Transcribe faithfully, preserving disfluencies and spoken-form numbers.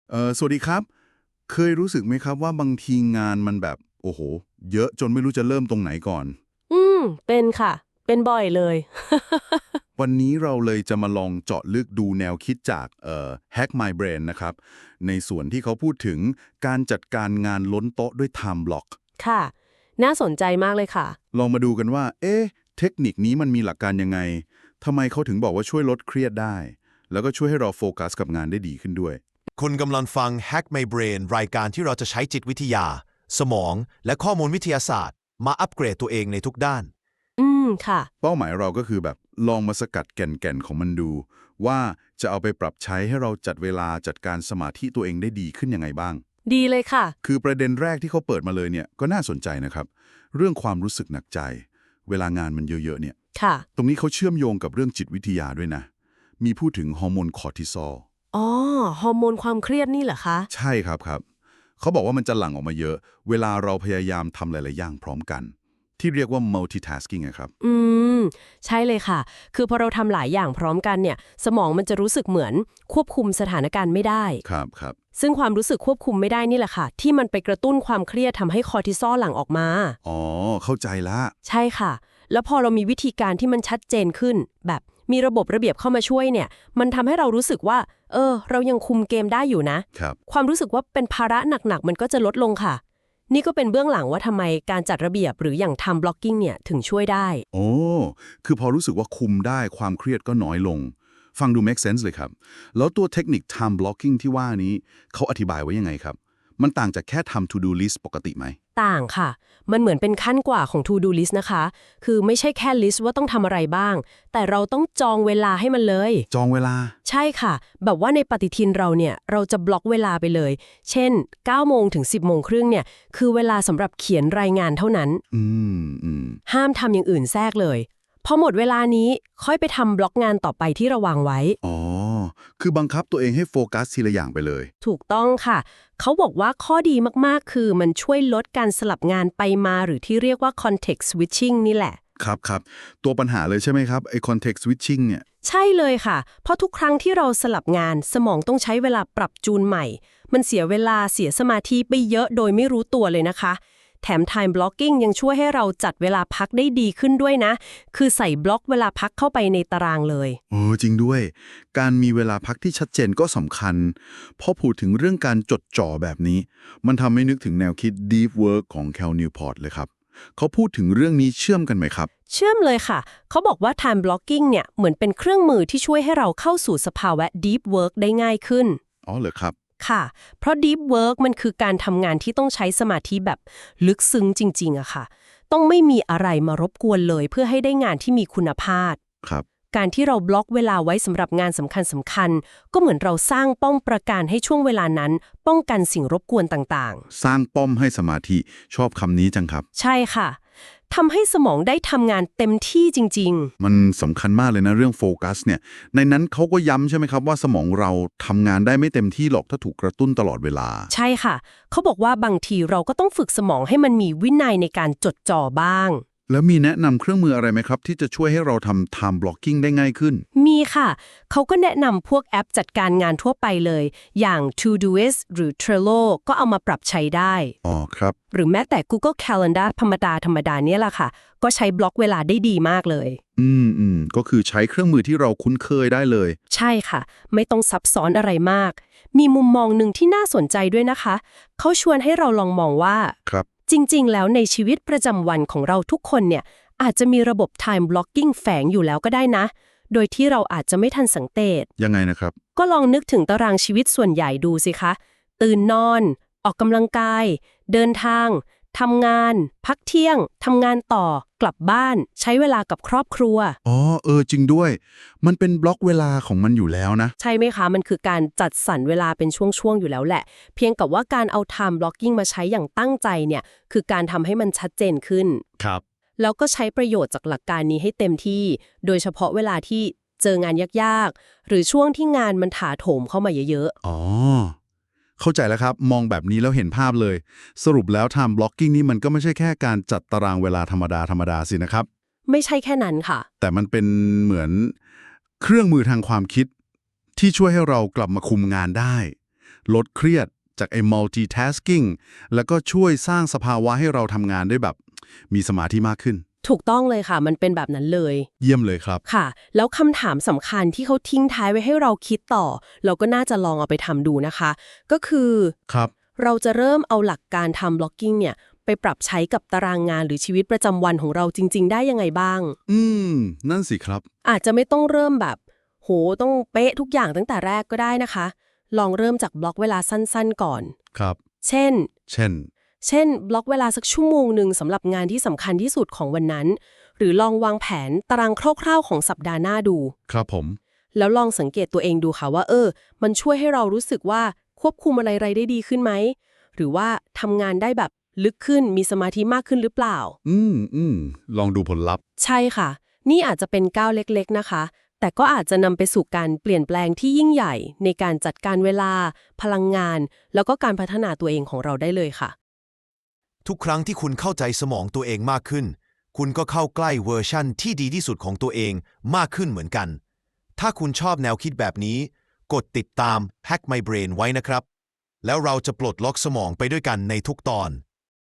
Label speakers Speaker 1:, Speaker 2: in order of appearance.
Speaker 1: เออสวัสดีครับเคยรู้สึกไหมครับว่าบางทีงานมันแบบโอ้โหเยอะจนไม่รู้จะเริ่มตรงไหนก่อน
Speaker 2: อืมเป็นค่ะ เป็นบ่อยเลย
Speaker 1: วันนี้เราเลยจะมาลองเจาะลึกดูแนวคิดจากเอ่อ Hack My Brain นะครับในส่วนที่เขาพูดถึงการจัดการงานล้นโต๊ะด้วย Time Block
Speaker 2: ค่ะ น่าสนใจมากเลยค่ะ
Speaker 1: ลองมาดูกันว่าเอ๊ะเทคนิคนี้มันมีหลักการยังไงทำไมเขาถึงบอกว่าช่วยลดเครียดได้แล้วก็ช่วยให้เราโฟกัสกับงานได้ดีขึ้นด้วย
Speaker 3: คุณกำลังฟัง Hack My Brain รายการที่เราจะใช้จิตวิทยา สมอง และข้อมูลวิทยาศาสตร์ มาอัปเกรดตัวเองในทุกด้าน
Speaker 2: อืมค่ะ
Speaker 1: เป้าหมายเราก็คือแบบลองมาสกัดแก่นๆของมันดูว่าจะเอาไปปรับใช้ให้เราจัดเวลาจัดการสมาธิตัวเองได้ดีขึ้นยังไงบ้าง
Speaker 2: ดีเลยค่ะ
Speaker 1: คือประเด็นแรกที่เขาเปิดมาเลยเนี่ยก็น่าสนใจนะครับเรื่องความรู้สึกหนักใจเวลางานมันเยอะๆเนี่ย
Speaker 2: ค่ะ
Speaker 1: ตรงนี้เขาเชื่อมโยงกับเรื่องจิตวิทยาด้วยนะมีพูดถึงฮอร์โมนคอร์ติซอล
Speaker 2: อ๋อ ฮอร์โมนความเครียดนี่เหรอคะ
Speaker 1: ใช่ครับครับเขาบอกว่ามันจะหลั่งออกมาเยอะ เวลาเราพยายามทำหลายๆอย่างพร้อมกัน ที่เรียกว่า multitasking อะครับ
Speaker 2: อืม ใช่เลยค่ะ คือพอเราทำหลายอย่างพร้อมกันเนี่ย สมองมันจะรู้สึกเหมือนควบคุมสถานการณ์ไม่ได้
Speaker 1: ครับครับ
Speaker 2: ซึ่งความรู้สึกควบคุมไม่ได้นี่แหละค่ะ ที่มันไปกระตุ้นความเครียดทำให้คอร์ติซอลหลั่งออกมา
Speaker 1: อ๋อเข้าใจละ
Speaker 2: ใช่ค่ะ แล้วพอเรามีวิธีการที่มันชัดเจนขึ้น แบบมีระบบระเบียบเข้ามาช่วยเนี่ย มันทำให้เรารู้สึกว่า เออ เรายังคุมเกมได้อยู่นะ
Speaker 1: ครับ
Speaker 2: ความรู้สึกว่าเป็นภาระหนักๆ มันก็จะลดลงค่ะ นี่ก็เป็นเบื้องหลังว่าทำไมการจัดระเบียบหรืออย่าง time blocking เนี่ยถึงช่วยได้
Speaker 1: โอ้ คือพอรู้สึกว่าคุมได้ความเครียดก็น้อยลง ฟังดู make sense เลยครับ แล้วตัวเทคนิค time blocking ที่ว่านี้เขาอธิบายไว้ยังไงครับ มันต่างจากแค่ทำ to do list ปกติไหม
Speaker 2: ต่างค่ะ มันเหมือนเป็นขั้นกว่าของ to do list นะคะ คือไม่ใช่แค่ list ว่าต้องทำอะไรบ้าง แต่เราต้องจองเวลาให้มันเลย
Speaker 1: จองเวลา
Speaker 2: ใช่ค่ะ แบบว่าในปฏิทินเราเนี่ย เราจะบล็อกเวลาไปเลย เช่น เก้าโมงถึง สิบโมงครึ่งเนี่ย คือเวลาสำหรับเขียนรายงานเท่านั้น
Speaker 1: อืมอืม
Speaker 2: ห้ามทำอย่างอื่นแทรกเลย พอหมดเวลานี้ค่อยไปทำบล็อกงานต่อไปที่เราวางไว้
Speaker 1: อ๋อ คือบังคับตัวเองให้โฟกัสทีละอย่างไปเลย
Speaker 2: ถูกต้องค่ะ เขาบอกว่าข้อดีมากๆ คือมันช่วยลดการสลับงานไปมาหรือที่เรียกว่า context switching นี่แหละ
Speaker 1: ครับครับ ตัวปัญหาเลยใช่ไหมครับ ไอ้ context switching เนี่ย
Speaker 2: ใช่เลยค่ะ เพราะทุกครั้งที่เราสลับงานสมองต้องใช้เวลาปรับจูนใหม่ มันเสียเวลาเสียสมาธิไปเยอะโดยไม่รู้ตัวเลยนะคะ แถม time blocking ยังช่วยให้เราจัดเวลาพักได้ดีขึ้นด้วยนะ คือใส่บล็อกเวลาพักเข้าไปในตารางเลย
Speaker 1: โอ้จริงด้วย การมีเวลาพักที่ชัดเจนก็สำคัญพอพูดถึงเรื่องการจดจ่อแบบนี้ มันทำให้นึกถึงแนวคิด deep work ของ Cal Newport เลยครับ เขาพูดถึงเรื่องนี้เชื่อมกันไหมครับ
Speaker 2: เชื่อมเลยค่ะ เขาบอกว่า time blocking เนี่ยเหมือนเป็นเครื่องมือที่ช่วยให้เราเข้าสู่สภาวะ deep work ได้ง่ายขึ้น
Speaker 1: อ๋อเหรอครับ
Speaker 2: ค่ะ เพราะ deep work มันคือการทำงานที่ต้องใช้สมาธิแบบลึกซึ้งจริงๆอะค่ะ ต้องไม่มีอะไรมารบกวนเลยเพื่อให้ได้งานที่มีคุณภาพ
Speaker 1: ครับ
Speaker 2: การที่เราบล็อกเวลาไว้สำหรับงานสำคัญสำคัญๆก็เหมือนเราสร้างป้อมประการให้ช่วงเวลานั้น ป้องกันสิ่งรบกวนต่างๆ
Speaker 1: สร้างป้อมให้สมาธิชอบคำนี้จังครับ
Speaker 2: ใช่ค่ะทำให้สมองได้ทำงานเต็มที่จริงๆ
Speaker 1: มันสำคัญมากเลยนะเรื่องโฟกัสเนี่ย ในนั้นเขาก็ย้ำใช่ไหมครับว่าสมองเราทำงานได้ไม่เต็มที่หรอกถ้าถูกกระตุ้นตลอดเวลา
Speaker 2: ใช่ค่ะ เขาบอกว่าบางทีเราก็ต้องฝึกสมองให้มันมีวินัยในการจดจ่อบ้าง
Speaker 1: แล้วมีแนะนำเครื่องมืออะไรไหมครับ ที่จะช่วยให้เราทำ time blocking ได้ง่ายขึ้น
Speaker 2: มีค่ะ เขาก็แนะนำพวกแอปจัดการงานทั่วไปเลย อย่าง Todoist หรือ Trello ก็เอามาปรับใช้ได้
Speaker 1: อ๋อครับ
Speaker 2: หรือแม้แต่ Google Calendar ธรรมดาธรรมดาเนี่ยแหละค่ะ ก็ใช้บล็อกเวลาได้ดีมากเลย
Speaker 1: อืมอืมก็คือใช้เครื่องมือที่เราคุ้นเคยได้เลย
Speaker 2: ใช่ค่ะ ไม่ต้องซับซ้อนอะไรมาก มีมุมมองหนึ่งที่น่าสนใจด้วยนะคะ เขาชวนให้เราลองมองว่า
Speaker 1: ครับ
Speaker 2: จริงๆ แล้วในชีวิตประจำวันของเราทุกคนเนี่ยอาจจะมีระบบ time blocking แฝงอยู่แล้วก็ได้นะ โดยที่เราอาจจะไม่ทันสังเกต
Speaker 1: ยังไงนะครับ
Speaker 2: ก็ลองนึกถึงตารางชีวิตส่วนใหญ่ดูสิคะ ตื่นนอน ออกกำลังกาย เดินทางทำงาน พักเที่ยงทำงานต่อกลับบ้าน ใช้เวลากับครอบครัว
Speaker 1: อ๋อเออจริงด้วย มันเป็นบล็อกเวลาของมันอยู่แล้วนะ
Speaker 2: ใช่ไหมคะ มันคือการจัดสรรเวลาเป็นช่วงๆ อยู่แล้วแหละ เพียงกับว่าการเอา time blocking มาใช้อย่างตั้งใจเนี่ย คือการทำให้มันชัดเจนขึ้น
Speaker 1: ครับ
Speaker 2: แล้วก็ใช้ประโยชน์จากหลักการนี้ให้เต็มที่ โดยเฉพาะเวลาที่เจองานยากๆ หรือช่วงที่งานมันถาโถมเข้ามาเยอะ
Speaker 1: อ๋อ เข้าใจแล้วครับ มองแบบนี้แล้วเห็นภาพเลย สรุปแล้ว time blocking นี่มันก็ไม่ใช่แค่การจัดตารางเวลาธรรมดาธรรมดาสินะครับ
Speaker 2: ๆ ไม่ใช่แค่นั้นค่ะ
Speaker 1: แต่มันเป็นเหมือนเครื่องมือทางความคิด ที่ช่วยให้เรากลับมาคุมงานได้ลดเครียดจากไอ้ multitasking แล้วก็ช่วยสร้างสภาวะให้เราทำงานได้แบบมีสมาธิมากขึ้น
Speaker 2: ถูกต้องเลยค่ะ มันเป็นแบบนั้นเลย
Speaker 1: เยี่ยมเลยครับ
Speaker 2: ค่ะ แล้วคำถามสำคัญที่เขาทิ้งท้ายไว้ให้เราคิดต่อ เราก็น่าจะลองเอาไปทำดูนะคะ ก็คือ
Speaker 1: ครับ
Speaker 2: เราจะเริ่มเอาหลักการทำ blocking เนี่ยไปปรับใช้กับตารางงานหรือชีวิตประจำวันของเราจริง ๆ ได้ยังไงบ้าง
Speaker 1: อืม นั่นสิครับ
Speaker 2: อาจจะไม่ต้องเริ่มแบบ โห ต้องเป๊ะทุกอย่างตั้งแต่แรกก็ได้นะคะ ลองเริ่มจากบล็อกเวลาสั้นๆก่อน
Speaker 1: ครับ
Speaker 2: เช่น
Speaker 1: เช่น
Speaker 2: เช่น บล็อกเวลาสักชั่วโมงหนึ่งสำหรับงานที่สำคัญที่สุดของวันนั้น หรือลองวางแผนตารางคร่าวๆของสัปดาห์หน้าดู
Speaker 1: ครับผม
Speaker 2: แล้วลองสังเกตตัวเองดูค่ะว่า เออ มันช่วยให้เรารู้สึกว่าควบคุมอะไรๆได้ดีขึ้นไหม หรือว่าทำงานได้แบบลึกขึ้น มีสมาธิมากขึ้นหรือเปล่า
Speaker 1: อืมอืมลองดูผลลัพธ์
Speaker 2: ใช่ค่ะ นี่อาจจะเป็นก้าวเล็กๆนะคะ แต่ก็อาจจะนำไปสู่การเปลี่ยนแปลงที่ยิ่งใหญ่ในการจัดการเวลา พลังงาน แล้วก็การพัฒนาตัวเองของเราได้เลยค่ะ
Speaker 3: ทุกครั้งที่คุณเข้าใจสมองตัวเองมากขึ้น คุณก็เข้าใกล้เวอร์ชั่นที่ดีที่สุดของตัวเองมากขึ้นเหมือนกัน ถ้าคุณชอบแนวคิดแบบนี้ กดติดตาม Hack My Brain ไว้นะครับ แล้วเราจะปลดล็อกสมองไปด้วยกันในทุกตอน